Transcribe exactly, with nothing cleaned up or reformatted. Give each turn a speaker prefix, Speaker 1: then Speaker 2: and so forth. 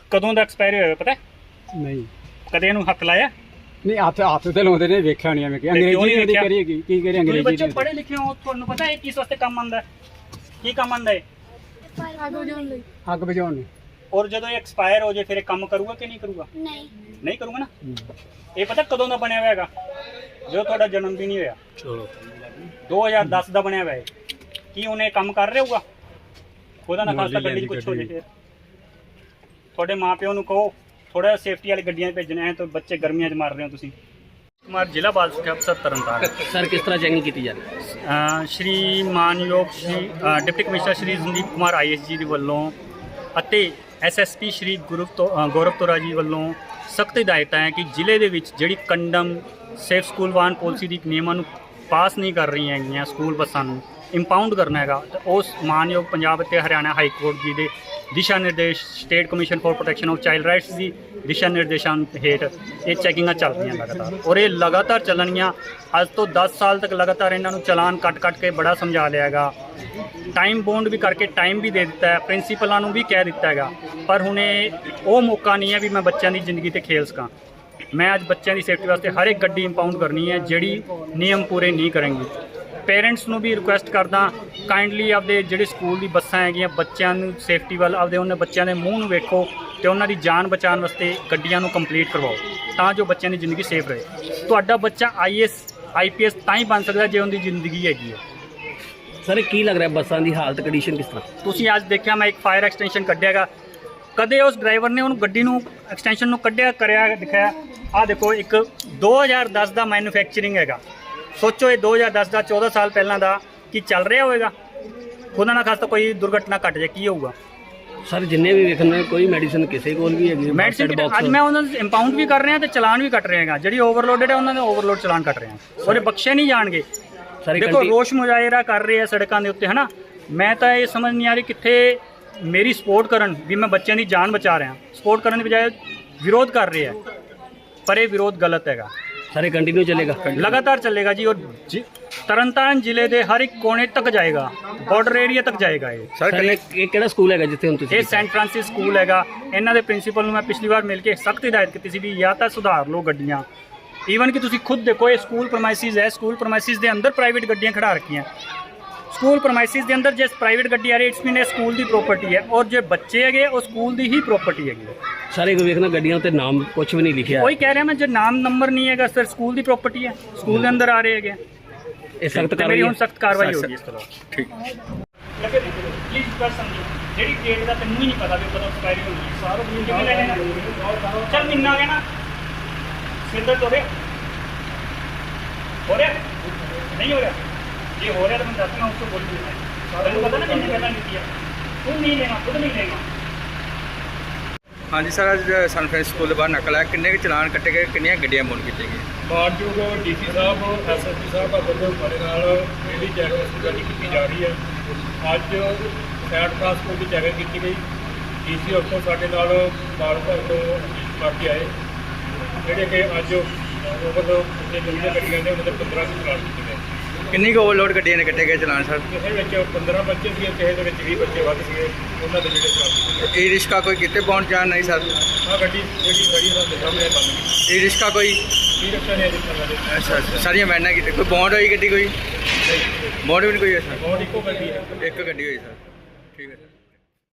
Speaker 1: ਕਦੋਂ ਦਾ ਐਕਸਪਾਇਰ ਹੋਇਆ ਪਤਾ
Speaker 2: ਨਹੀਂ
Speaker 1: ਕਦੇ ਇਹਨੂੰ ਹੱਥ ਲਾਇਆ
Speaker 2: ਨਹੀਂ ਹੱਥ ਹੱਥ ਤੇ ਲਾਉਂਦੇ ਨੇ ਵੇਖਿਆ ਨਹੀਂ ਐਵੇਂ ਕਿ ਅੰਗਰੇਜ਼ੀ ਨਹੀਂ ਕਰੀਏਗੀ ਕੀ ਕਰੇ
Speaker 1: ਤੁਸੀਂ
Speaker 2: ਅੰਗਰੇਜ਼ੀ
Speaker 1: ਬੱਚੇ ਪੜ੍ਹੇ ਲਿਖੇ ਹੋ ਤੁਹਾਨੂੰ ਪਤਾ ਹੈ ਕਿਸ ਵਾਸਤੇ ਕੰਮ ਆਉਂਦਾ ਕੀ ਕੰਮ ਆਉਂਦਾ ਹੈ
Speaker 2: ਅੱਗ ਬੁਝਾਉਣ ਨੂੰ
Speaker 1: ਔਰ ਜਦੋਂ ਇਹ ਐਕਸਪਾਇਰ ਹੋ ਜਾਏ ਫਿਰ ਇਹ ਕੰਮ ਕਰੂਗਾ ਕਿ ਨਹੀਂ ਕਰੂਗਾ
Speaker 3: ਨਹੀਂ
Speaker 1: ਨਹੀਂ ਕਰੂਗਾ ਨਾ ਇਹ ਪਤਾ ਕਦੋਂ ਦਾ ਬਣਿਆ ਹੋਇਆ ਹੈਗਾ ਜਦੋਂ ਤੁਹਾਡਾ ਜਨਮ ਦਿਨ ਹੀ ਹੋਇਆ
Speaker 2: ਚਲੋ
Speaker 1: ਦੋ ਹਜ਼ਾਰ ਦਸ ਦਾ ਬਣਿਆ ਹੋਇਆ ਹੈ ਕੀ ਉਹਨੇ ਕੰਮ ਕਰ ਰਿਹਾ ਹੋਊਗਾ ਉਹਦਾ ਨਾ ਖਾਸਾ ਗੱਡੀ 'ਚ ਕੁਛ ਹੋ ਜਾਏ ਫਿਰ ਤੁਹਾਡੇ ਮਾਪਿਓ ਨੂੰ ਕਹੋ ਥੋੜਾ ਸੇਫਟੀ ਵਾਲੀ ਗੱਡੀਆਂ ਭੇਜਣਾ ਹੈ ਤਾਂ ਬੱਚੇ ਗਰਮੀਆਂ 'ਚ ਮਰ ਰਹੇ ਹੋ ਤੁਸੀਂ ਕੁਮਾਰ ਜ਼ਿਲ੍ਹਾ ਬਾਲ ਸਿੱਖਿਆ ਅਫਸਰ ਤਰਨਤਾਰਨ
Speaker 4: ਸਰ ਕਿਸ ਤਰ੍ਹਾਂ ਚੈਕਿੰਗ ਕੀਤੀ ਜਾ ਰਹੀ ਹੈ
Speaker 1: ਸ਼੍ਰੀ ਮਾਨਯੋਗ Shri deputy commissioner Shri Sandeep Kumar I S ji ਦੇ ਵੱਲੋਂ ਅਤੇ ਐਸ ਐਸ ਪੀ ਸ਼੍ਰੀ ਗੁਰਵ ਤੋਂ ਗੌਰਵ ਤੋਰਾ ਜੀ ਵੱਲੋਂ ਸਖਤ ਹਦਾਇਤਾਂ ਹੈ ਕਿ ਜ਼ਿਲ੍ਹੇ ਦੇ ਵਿੱਚ ਜਿਹੜੀ ਕੰਡਮ ਸੇਫ ਸਕੂਲ ਵਾਹਨ ਪਾਲਿਸੀ ਦੀ ਨਿਯਮਾਂ ਨੂੰ ਪਾਸ ਨਹੀਂ ਕਰ ਰਹੀਆਂ ਹੈਗੀਆਂ ਸਕੂਲ ਬੱਸਾਂ ਨੂੰ ਇੰਪਾਊਂਡ ਕਰਨਾ ਹੈਗਾ ਤਾਂ ਉਸ ਮਾਨਯੋਗ ਪੰਜਾਬ ਅਤੇ ਹਰਿਆਣਾ ਹਾਈ ਕੋਰਟ ਜੀ ਦੇ ਦਿਸ਼ਾ ਨਿਰਦੇਸ਼ state commission for protection of child rights ਦੀ ਦਿਸ਼ਾ ਨਿਰਦੇਸ਼ਾਂ ਹੇਠ ਇਹ ਚੈਕਿੰਗਾਂ ਚੱਲ ਰਹੀਆਂ ਲਗਾਤਾਰ ਔਰ ਇਹ ਲਗਾਤਾਰ ਚੱਲਣਗੀਆਂ ਅੱਜ ਤੋਂ ਦਸ ਸਾਲ ਤੱਕ ਲਗਾਤਾਰ ਇਹਨਾਂ ਨੂੰ ਚਲਾਨ ਕੱਟ ਕੱਟ ਕੇ ਬੜਾ ਸਮਝਾ ਲਿਆ ਹੈਗਾ ਟਾਈਮ ਬੌਂਡ ਵੀ ਕਰਕੇ ਟਾਈਮ ਵੀ ਦੇ ਦਿੱਤਾ ਹੈ ਪ੍ਰਿੰਸੀਪਲਾਂ ਨੂੰ ਵੀ ਕਹਿ ਦਿੱਤਾ ਹੈਗਾ ਪਰ ਹੁਣ ਇਹ ਉਹ ਮੌਕਾ ਨਹੀਂ ਹੈ ਵੀ ਮੈਂ ਬੱਚਿਆਂ ਦੀ ਜ਼ਿੰਦਗੀ ਤੇ ਖੇਲ ਸਕਾਂ ਮੈਂ ਅੱਜ ਬੱਚਿਆਂ ਦੀ ਸੇਫਟੀ ਵਾਸਤੇ ਹਰ ਇੱਕ ਗੱਡੀ ਇੰਪਾਊਂਡ ਕਰਨੀ ਹੈ ਜਿਹੜੀ ਨਿਯਮ ਪੂਰੇ ਨਹੀਂ ਕਰਨਗੀ ਪੇਰੈਂਟਸ ਨੂੰ ਵੀ ਰਿਕੁਐਸਟ ਕਰਦਾ ਕਾਈਂਡਲੀ ਆਪਦੇ ਜਿਹੜੇ ਸਕੂਲ ਦੀ ਬੱਸਾਂ ਹੈਗੀਆਂ ਬੱਚਿਆਂ ਨੂੰ ਸੇਫਟੀ ਵੱਲ ਆਪਦੇ ਉਹਨਾਂ ਬੱਚਿਆਂ ਦੇ ਮੂੰਹ ਨੂੰ ਵੇਖੋ ਤੇ ਉਹਨਾਂ ਦੀ ਜਾਨ ਬਚਾਉਣ ਵਾਸਤੇ ਗੱਡੀਆਂ ਨੂੰ ਕੰਪਲੀਟ ਕਰਵਾਓ ਤਾਂ ਜੋ ਬੱਚਿਆਂ ਦੀ ਜ਼ਿੰਦਗੀ ਸੇਫ ਰਹੇ ਤੁਹਾਡਾ ਬੱਚਾ ਆਈ A S I P S ਤਾਂ ਹੀ ਬਣ ਸਕਦਾ ਜੇ ਉਹਦੀ ਜ਼ਿੰਦਗੀ ਹੈਗੀ ਹੈ
Speaker 4: ਸਰ ਕੀ ਲੱਗ ਰਿਹਾ ਬੱਸਾਂ ਦੀ ਹਾਲਤ ਕੰਡੀਸ਼ਨ ਕਿਸ ਤਰ੍ਹਾਂ
Speaker 1: ਤੁਸੀਂ ਅੱਜ ਦੇਖਿਆ ਮੈਂ ਇੱਕ ਫਾਇਰ ਐਕਸਟੈਂਸ਼ਨ ਕੱਢਿਆਗਾ ਕਦੇ ਉਸ ਡਰਾਈਵਰ ਨੇ ਉਹਨੂੰ ਗੱਡੀ ਨੂੰ ਐਕਸਟੈਂਸ਼ਨ ਨੂੰ ਕੱਢਿਆ ਕਰਿਆ ਦਿਖਾਇਆ ਆਹ ਦੇਖੋ ਇੱਕ ਦੋ ਹਜ਼ਾਰ ਦਸ ਦਾ ਮੈਨੂਫੈਕਚਰਿੰਗ ਹੈਗਾ ਸੋਚੋ ਇਹ ਦੋ ਹਜ਼ਾਰ ਦਸ ਦਾ ਚੌਦਾਂ ਸਾਲ ਪਹਿਲਾਂ ਦਾ ਕੀ ਚੱਲ ਰਿਹਾ ਹੋਵੇਗਾ ਖੁਦਾ ਨਾ ਖਾਸਤਾ ਕੋਈ ਦੁਰਘਟਨਾ ਘਟ ਜਾਏ ਕੀ ਹੋਊਗਾ
Speaker 4: ਸਰ ਜਿੰਨੇ ਵੀ ਵੇਖਣ ਕੋਈ ਮੈਡੀਸਨ ਕਿਸੇ ਕੋਲ ਵੀ ਹੈਗੀ
Speaker 1: ਮੈਡੀਸਿਨ ਅੱਜ ਮੈਂ ਉਹਨਾਂ ਨੂੰ ਇੰਪਾਊਂਡ ਵੀ ਕਰ ਰਿਹਾ ਤੇ ਚਲਾਨ ਵੀ ਕੱਟ ਰਿਹਾ ਹੈਗਾ ਜਿਹੜੀ ਓਵਰਲੋਡਡ ਹੈ ਉਹਨਾਂ ਦੇ ਓਵਰਲੋਡ ਚਲਾਨ ਕੱਟ ਰਹੇ ਹਾਂ ਉਹਦੇ ਬਖਸ਼ੇ ਨਹੀਂ ਜਾਣਗੇ ਦੇਖੋ ਰੋਸ਼ ਮੁਜ਼ਾਹਰਾ ਕਰ ਰਹੇ ਆ ਸੜਕਾਂ ਦੇ ਉੱਤੇ ਹਨਾ ਮੈਂ ਤਾਂ ਇਹ ਸਮਝ ਨਹੀਂ ਆ ਰਹੀ ਕਿੱਥੇ ਮੇਰੀ ਸਪੋਰਟ ਕਰਨ ਵੀ ਮੈਂ ਬੱਚਿਆਂ ਦੀ ਜਾਨ ਬਚਾ ਰਿਹਾ ਸਪੋਰਟ ਕਰਨ ਦੀ ਬਜਾਏ ਵਿਰੋਧ ਕਰ ਰਹੇ ਆ ਪਰ ਇਹ ਵਿਰੋਧ ਗਲਤ ਹੈਗਾ
Speaker 4: ਸਾਰੇ ਕੰਟੀਨਿਊ ਚੱਲੇਗਾ
Speaker 1: ਲਗਾਤਾਰ ਚੱਲੇਗਾ ਜੀ ਔਰ ਤਰਨਤਾਰਨ ਜ਼ਿਲ੍ਹੇ ਦੇ ਹਰ ਇੱਕ ਕੋਨੇ ਤੱਕ ਜਾਏਗਾ ਬਾਰਡਰ ਏਰੀਆ ਤੱਕ ਜਾਏਗਾ ਇਹ
Speaker 4: ਸਰ ਇਹ ਕਿਹੜਾ ਸਕੂਲ ਹੈਗਾ ਜਿੱਥੇ ਹੁਣ ਤੁਸੀਂ
Speaker 1: ਇਹ ਸੈਂਟ ਫਰਾਂਸਿਸ ਸਕੂਲ ਹੈਗਾ ਇਹਨਾਂ ਦੇ ਪ੍ਰਿੰਸੀਪਲ ਨੂੰ ਮੈਂ ਪਿਛਲੀ ਵਾਰ ਮਿਲ ਕੇ ਸਖਤ ਹਦਾਇਤ ਕੀਤੀ ਸੀ ਵੀ ਜਾਂ ਤਾਂ ਸੁਧਾਰ ਲਓ ਗੱਡੀਆਂ ਈਵਨ ਕਿ ਤੁਸੀਂ ਖੁਦ ਦੇਖੋ ਇਹ ਸਕੂਲ ਪ੍ਰਮਾਈਸਿਸ ਹੈ ਸਕੂਲ ਪ੍ਰਮਾਈਸਿਸ ਦੇ ਅੰਦਰ ਪ੍ਰਾਈਵੇਟ ਗੱਡੀਆਂ ਖੜਾ ਰੱਖੀਆਂ ਸਕੂਲ ਪ੍ਰਮਾਈਸਿਸ ਦੇ ਅੰਦਰ ਜੇ ਪ੍ਰਾਈਵੇਟ ਗੱਡੀ ਆ ਰਹੀ ਇਟਸ ਮੀਨ ਇਹ ਸਕੂਲ ਦੀ ਪ੍ਰੋਪਰਟੀ ਹੈ ਔਰ ਜੇ ਬੱਚੇ ਹੈਗੇ ਉਹ ਸਕੂਲ ਦੀ ਹੀ ਪ੍ਰੋਪਰਟੀ ਹੈਗੀ
Speaker 4: ਸਾਰੇ ਕੋ ਵੇਖਣਾ ਗੱਡੀਆਂ ਉੱਤੇ ਨਾਮ ਕੁਝ ਵੀ ਨਹੀਂ ਲਿਖਿਆ
Speaker 1: ਕੋਈ ਕਹਿ ਰਿਹਾ ਮੈਂ ਜੇ ਨਾਮ ਨੰਬਰ ਨਹੀਂ ਹੈਗਾ ਸਰ ਸਕੂਲ ਦੀ ਪ੍ਰੋਪਰਟੀ ਹੈ ਸਕੂਲ ਦੇ ਅੰਦਰ ਆ ਰਹੇ ਹੈਗੇ
Speaker 4: ਇਹ ਸਖਤ
Speaker 1: ਮੇਰੀ ਹੁਣ ਸਖਤ ਕਾਰਵਾਈ ਹੋਗੀ ਇਸ ਤਰ੍ਹਾਂ
Speaker 4: ਠੀਕ
Speaker 1: ਲੱਗੇ ਦੇਖੋ ਪਲੀਜ਼ ਕਰ ਸਮਝੋ ਜਿਹੜੀ ਡੇਟ ਦਾ ਤੈਨੂੰ ਹੀ ਨਹੀਂ ਪਤਾ ਵੀ ਕਦੋਂ ਐਕਸਪਾਇਰੀ ਹੋਣੀ ਹੈ ਸਾਰਾ ਦਿਨ ਕਿਵੇਂ ਲੈਣਾ ਚੱਲ ਮਹੀਨਾ ਆ ਗਿਆ ਨਾ ਸਿਰ ਦਰਦ ਹੋ ਰਿਹਾ ਹੋ ਰਿਹਾ ਨਹੀਂ ਹੋ ਰਿਹਾ ਜੇ ਹੋ ਰਿਹਾ ਤਾਂ ਮੈਂ ਦੱਸਣਾ ਉਸ ਤੋਂ ਬੋਲ ਦੂੰਗਾ ਤੈਨੂੰ ਪਤਾ ਨਾ ਕਿੰਨੇ ਪਹਿਲਾਂ ਦਿੱਤੀ ਆ ਤੂੰ ਨਹੀਂ ਲੈਣਾ ਖੁਦ ਨਹੀਂ ਲੈਣਾ
Speaker 5: ਹਾਂਜੀ ਸਰ ਅੱਜ ਸਨਫਰੈਂਸ ਸਕੂਲ ਦੇ ਬਾਹਰ ਨਕਲ ਹੈ ਕਿੰਨੇ ਕੁ ਚਲਾਨ ਕੱਟੇ ਗਏ ਕਿੰਨੀਆਂ ਗੱਡੀਆਂ ਬੋਨ ਕੀਤੀਆਂ ਗਈਆਂ
Speaker 6: ਮਾਨਯੋਗ ਡੀ ਸੀ ਸਾਹਿਬ ਐਸ ਐਸ ਪੀ ਸਾਹਿਬ ਦਾ ਵੱਲੋਂ ਸਾਡੇ ਨਾਲ ਜਿਹੜੀ ਚੈਕਿੰਗ ਗੱਡੀ ਕੀਤੀ ਜਾ ਰਹੀ ਹੈ ਅੱਜ ਸੈਂਟ ਟਰਾਂਸਪੋਰਟ ਦੀ ਚੈਕਿੰਗ ਕੀਤੀ ਗਈ ਡੀ ਸੀ ਉੱਥੋਂ ਸਾਡੇ ਨਾਲ ਮਾਰੂ ਭਰ ਤੋਂ ਬਾਕੀ ਆਏ ਜਿਹੜੇ ਕਿ ਅੱਜ ਓਵਰਲੋਡ ਜੇ ਜਿਹੜੀਆਂ ਗੱਡੀਆਂ ਨੇ ਉਹਨਾਂ ਦੇ ਪੰਦਰਾਂ ਕੁ ਚਲਾਨ ਕੀਤੇ ਗਏ
Speaker 5: ਕਿੰਨੀ ਕੁ ਓਵਰਲੋਡ ਗੱਡੀਆਂ ਨੇ ਕੱਟੇ ਗਏ ਚਲਾਨ ਸਰ
Speaker 6: ਕਿਸੇ ਵਿੱਚ ਪੰਦਰਾਂ ਬੱਚੇ ਸੀਗੇ ਕਿਸੇ ਦੇ ਵਿੱਚ ਵੀਹ ਬੱਚੇ ਵੱਧ ਸੀਗੇ ਉਹਨਾਂ ਦੇ ਜਿਹੜੇ ਚਲਾਨ ਕੀਤੇ ਗਏ
Speaker 5: ਈ ਰਿਸ਼ਕਾ ਕੋਈ ਕਿਤੇ ਪਹੁੰਚ ਜਾਣ ਨਹੀਂ ਸਰ
Speaker 6: ਆਹ ਗੱਡੀ ਜਿਹੜੀ ਖੜੀ ਉਹਨਾਂ ਦੇ ਸਾਹਮਣੇ ਬੰਦ ਗਈ
Speaker 5: ਈ ਰਿਸ਼ਕਾ ਕੋਈ
Speaker 6: ਕੀ ਰੱਖਿਆ ਨੇ ਅਜੇ ਤੱਕ
Speaker 5: ਅੱਛਾ ਅੱਛਾ ਸਾਰੀਆਂ ਵੈਨਾਂ ਕੀਤੇ ਕੋਈ ਬੌਂਡ ਹੋਈ ਗੱਡੀ ਕੋਈ ਬੌਂਡ ਵੀ ਨਹੀਂ ਕੋਈ ਹੈ ਸਰ
Speaker 6: ਬਹੁਤ ਇੱਕੋ ਗੱਡੀ ਹੈ
Speaker 5: ਇੱਕ ਗੱਡੀ ਹੋਈ ਸਰ ਠੀਕ ਹੈ ਸਰ